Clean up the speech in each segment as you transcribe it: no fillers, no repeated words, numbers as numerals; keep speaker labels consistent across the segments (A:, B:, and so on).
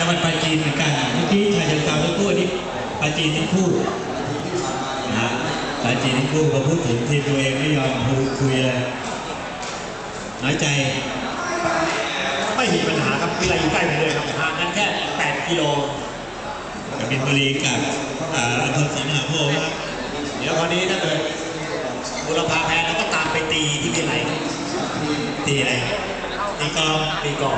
A: งหวัดปราจีนเหมือนกันเมื่อกี้ชายเชิงเทราทั้งคู่นี่ปราจีนทั้งคู่นะปราจีนทั้งคู่พอพูดถึงทีมตัวเองไม่ยอมคุยเลยน้อยใจ
B: ไม่มีปัญหาครับวิไลอยู่ใกล้ไปเลยครับห่างกันแค่8 กิโล
A: กบินบุรีกับอำเภอศรีมหาโพธิ์ครับ
B: เดี๋ยวคราวนี้ถ้าเกิดบุรพาแพ้แล้วก็ตามไปตีที่วิไล
A: ตีอะไรตีกอง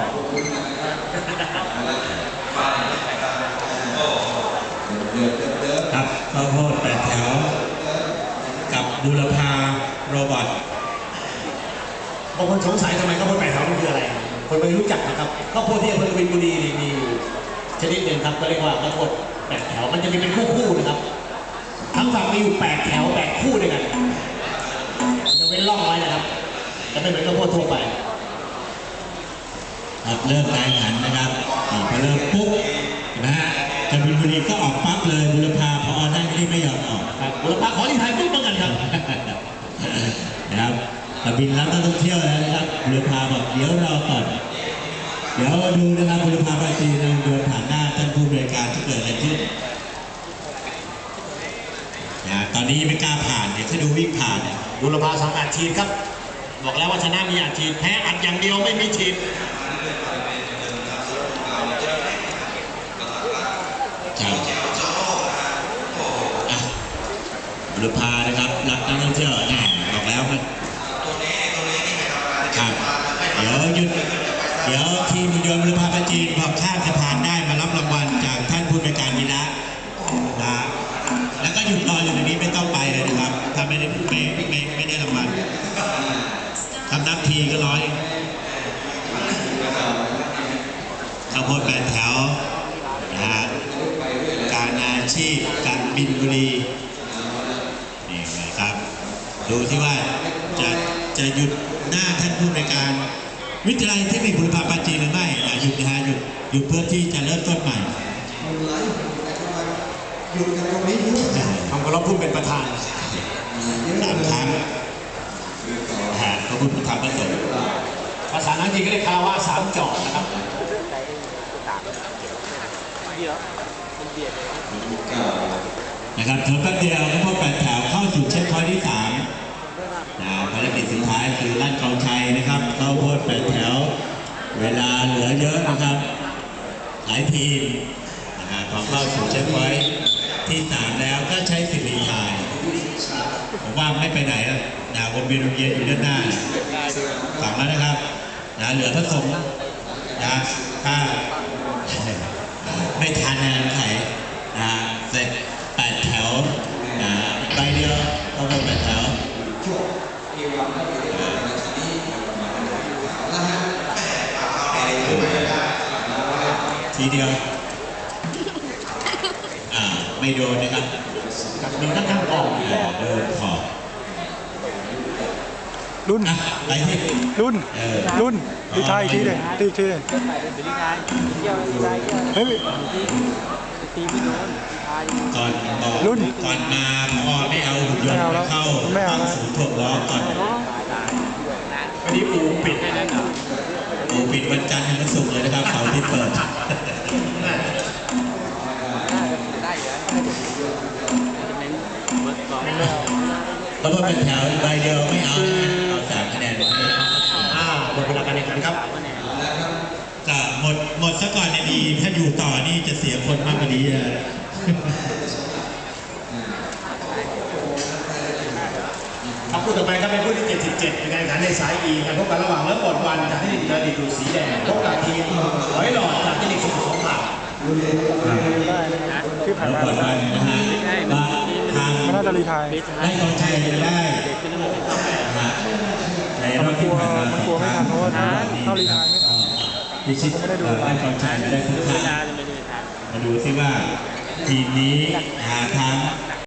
A: ครับข้าวโพด8 แถวกับบุรพาโรบอท
B: บางคนสงสัยทำไมข้าวโพด8 แถวมันคืออะไรคนไม่รู้จักนะครับข้าวโพดที่อำเภอกบินบุรีนี่มีชนิดหนึ่งครับก็เรียกว่าข้าวโพด8 แถวมันจะมีเป็นคู่นะครับทั้งฝั่งมีอยู่8 แถว8 คู่ด้วยกันจะเว้นร่องไว้นะครับจะไม่เหมือนข้าวโพดทั่วไป
A: เริ่มการแข่งขันนะครับพอเริ่มปุ๊บนะฮะกบินบุรีก็ออกปั๊บเลยบุรพาพอได้ไม่ยอมออก
B: บุรพาขอที่ไทยปุ๊บเหมือนกันครับ
A: นะครับกบินรับนักท่องเที่ยวแล้วนะครับบุรพาบอกเดี๋ยวรอก่อนเดี๋ยวดูนะครับบุรพาปราจีนเดินผ่านหน้าท่านผู้บริการที่เกิดอะไรขึ้นนะตอนนี้ไม่กล้าผ่านเดี๋ยวถ้าดูวิ่งผ่านเนี่ย
B: บุรพา2 อัดฉีดครับบอกแล้วว่าชนะมีอัดฉีดแพ้อัดอย่างเดียวไม่มีฉีด
A: บุรพานะครับรับนักท่องเที่ยวแน่บอกแล้วครับเดี๋ยวทีมยนต์บุรพาปราจีนพอข้ามสะพานได้มารับรางวัลจากท่านผู้บริการวีระนะแล้วก็หยุดรออยู่ตรงนี้ไม่ต้องไปเลยนะครับถ้าไม่ได้รางวัลทำนับทีก็ร้อยข้าวโพด8 แถวนะการอาชีพการบินบุรีนี่นะครับดูที่ว่าจะหยุดหน้าท่านผู้บริการวิทยาลัยเทคนิคบุรพาปราจีนหรือไม่หยุดนะฮะหยุดเพื่อที่จะเริ่มต้นใหม่
B: ทำกระพุ่มเป็นประธาน
A: 3 ครั้งพระพุทธธรรมประสงค์
B: ภาษาอังกฤษก็เรียกคาราวะ3 จอดนะครับ
A: นะครับเพิ่มเดียวข้าวโพด8 แถวเข้าสู่เช็คพอยท์ที่3ภารกิจสุดท้ายคือลั่นกองชัยนะครับข้าวโพด8 แถวเวลาเหลือเยอะนะครับหลายทีมพอเข้าสู่เช็คพอยท์ที่3แล้วก็ใช้สิทธิ์รีไทร์ผมว่าไม่ไปไหนแล้ววนเวียนอยู่ด้านหน้าฝั่งแล้วนะครับเหลือพระสงฆ์ถ้าไม่ทันไขเสร็จ8 แถวใบเดียวข้าวโพด8 แถวทีเดียวไม่โดนนะครับ
B: โดนทั้งกอง
A: โดนขอบ
C: รุ่น
A: ไปที่
C: รุ่นดีไทยทีเดียวทีเฮ้ย
A: ก่อนก่อนมาพอไม่เอาหุ่นยนต์เข้าศูนย์ถ่วงล้อก่อน
B: วันนี้อูปิด
A: วันจันทร์ถึงศุกร์เลยนะครับเสาร์อาทิตย์เปิดแล้วก็เป็นแถวใบเดียวไม่เอา3 คะแนน
B: หมดเวลาการแข่งขันครับ
A: ก็หมดซะก่อนดีถ้าอยู่ต่อนี่จะเสียคนมากกว่านี้
B: ครับคู่ต่อไปครับเป็นคู่ที่77ในการแข่งขันในสาย E การพบกันระหว่างเลิฟบอลวันจากที่เดินดีดูสีแดงพบกับทีมหอยหลอดจากที่1 2 2 บาท
C: ที่ผ่านมา
A: นะฮะทาง
C: น่าจะรีไทย
A: ได้กองชัยได้ในรอบที่ผ่านมา
C: มันกลัวไม่ทันเพราะว่าเข้ารีไทยไม่ทัน
A: พิชิตได้กองชัยได้ทุกท่านมาดูซิว่าทีมนี้ทาง